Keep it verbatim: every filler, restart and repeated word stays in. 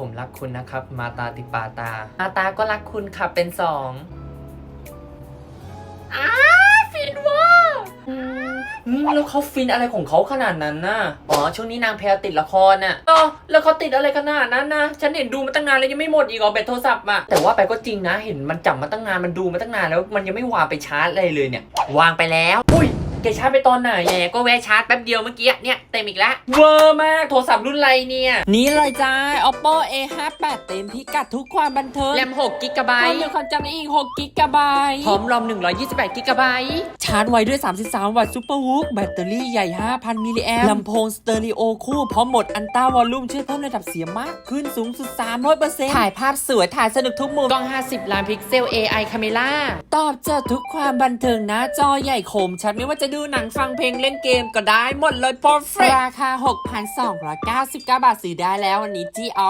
ผมรักคุณนะครับมาตาติปาตามาตาก็รักคุณค่ะเป็นสองอ้าฟินว่าอืมอืมแล้วเขาฟินอะไรของเขาขนาดนั้นน่ะอ๋อช่วงนี้นางแพลติดละครน่ะอ๋อแล้วเขาติดอะไรขนาดนั้นนะฉันเห็นดูมาตั้งนานแล้วยังไม่หมดอีกเหรอแบตโทรศัพท์อ่ะแต่ว่าไปก็จริงนะเห็นมันจับมาตั้งนานมันดูมาตั้งนานแล้วมันยังไม่วางไปชาร์จอะไรเลยเนี่ยวางไปแล้วอุ้ยแกชาร์จไปตอนไหนแหมก็แวะชาร์จแป๊บเดียวเมื่อกี้เนี่ยเต็มอีกแล้วเวอร์มากโทรศัพท์รุ่นไรเนี่ยนี่เลยจ้า Oppo เอ ห้าสิบแปด เต็มพิกัดทุกความบันเทิงแรมหกกิกะไบความต์เร็วความจำอีกหกกิกะไบต์พร้อมรอมหนึ่งร้อยยี่สิบแปดกิกะไบต์ชาร์จไวด้วยสามสิบสามวัตต์ซูเปอร์วูฟแบตเตอรี่ใหญ่ ห้าพัน มิลลิแอมป์ลำโพงสเตอริโอคู่พร้อมโหมดอันต้าวอลลุ่มช่วยเพิ่มระดับเสียงมากขึ้นสูงสุด สามร้อยเปอร์เซ็นต์ ถ่ายภาพสวย ถ่ายสนุกทุกมุมกล้องห้าสิบล้านพิกเซล เอ ไอ Camera ตอบโจทย์ทุกความบันเทิงหน้าจอใหญ่คมชัดไม่ว่าจะดูหนังฟังเพลงเล่นเกมก็ได้หมดเลย perfect ราคา หกพันสองร้อยเก้าสิบเก้า บาทซื้อได้แล้ววันนี้ที่